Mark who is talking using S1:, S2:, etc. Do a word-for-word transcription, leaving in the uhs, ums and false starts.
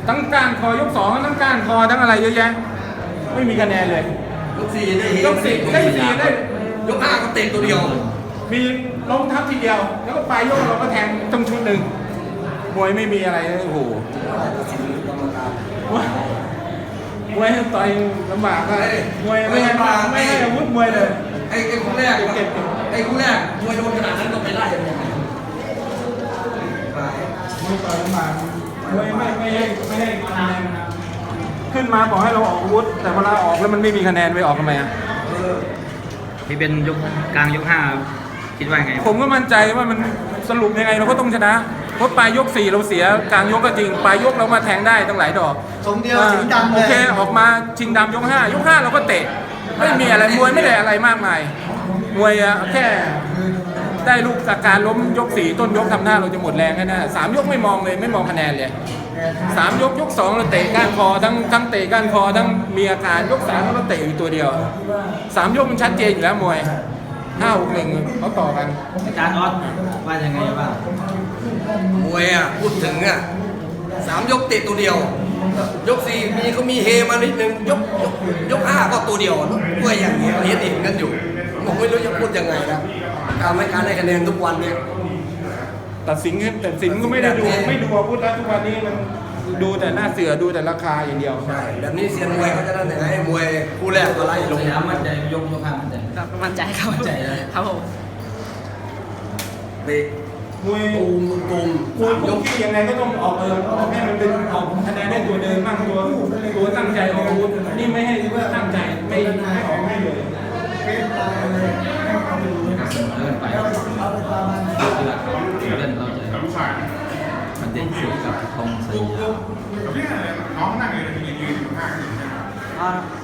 S1: ทั้งก้านคอยกสองทั้งก้านคอทั้งอะไรเยอะแยะไม่มีคะแนนเลย
S2: ยกสี่ได้เฮ
S1: ยกสี่ได้สี่ได้
S2: ยกห้าก็เตะตัวเดียว
S1: มีล้มทับทีเดียว แล้วก็ปลายยกเราก็แทงต้องชุดหนึ่งมวยไม่มีอะไรเลยโอ้โหมวยต่อยลำบากก็มวยไม่ให้ไม่ให้อาวุธมวยเลย
S2: ไอ้ไอ้คู่แรกไอ้คู่แรกมวยโดนขนาดนั้นก็ไปไล่ยังไง
S1: มวยต่อยลำบากมวยไม่ไม่ให้ไม่ให้คะแนนขึ้นมาบอกให้เราออกอาวุธแต่เวลาออกแล้วมันไม่มีคะแนนไปออกทำไมอ่ะ
S3: ที่เป็นยกกลางยกห้าคิดว่าไง
S1: ผมก็มั่นใจว่ามันสรุปยังไงเราก็ต้องชนะเพราะปลายยกสี่เราเสียกลางยกก็จริงปลายยกเรามาแทงได้ตั้งหลายดอก
S4: สองเดียวสิงห์ดำเลย
S1: โอเคออกมาชิงดำยกห้ายกห้าเราก็เตะไม่มีอะไรมวยไม่ได้อะไรมากมายมวยอะแค่ได้ลูกจากการล้มยกสี่ต้นยกทำหน้าเราจะหมดแรงแค่นั้นสามยกไม่มองเลยไม่มองคะแนนเลยสามยกยกสองเราเตะก้านคอทั้งทั้งเตะก้านคอทั้งมีอาการยกสามเราเตะอยู่ตัวเดียวสามยกมันชัดเจนอยู่แล้วมวยห้าหกหนึ่งเขาต่อกัน
S3: อาจารย์ออสว่ายังไงบ้าง
S2: มวยอ่ะพูดถึงอ่ะสามยกเตะตัวเดียว ยกสี่มีก็มีเฮมานิดนึงยกยกยกห้าก็ตัวเดียวมวยอย่างเงี้ยเห็นเห็นกันอยู่ผมไม่รู้จะพูดยังไงนะการไม่การให้คะแนนทุกวันเนี่ย
S1: ตัดสินแต่สินก็ไม่ได้ดูไม่ดูอาวุธแล้วทุกวันนี้มันดูแต่หน้าเสือดูแต่ราคาอย่างเดียว
S2: ใช่แบบนี้เซียนมวยเขาจะนั่นยังไงมวยคู่แรกก็ไล่ลง
S3: สยามมั่นใจยกยกห้ามั่นใจ
S5: ครับมั่นใจครับ
S3: มั่นใจเลย
S5: ครับผม
S2: เตะ
S1: มวย
S2: ตูมตูม
S1: มวยยกที่ยังไงก็ต้องออกเออออกให้มันเป็นออกคะแนนได้ตัวเดิมบ้างตัวตัวตั้งใจออกอาวุธนี่ไม่ให้ว่าตั้งใจไม่ไม่ออกให้เลย
S3: เดินไปเดินเราจะมันเด่นสุดกับทองสยาม
S6: น้องนั่งอยู่ในยืนอยู่ข้าง
S5: อ่า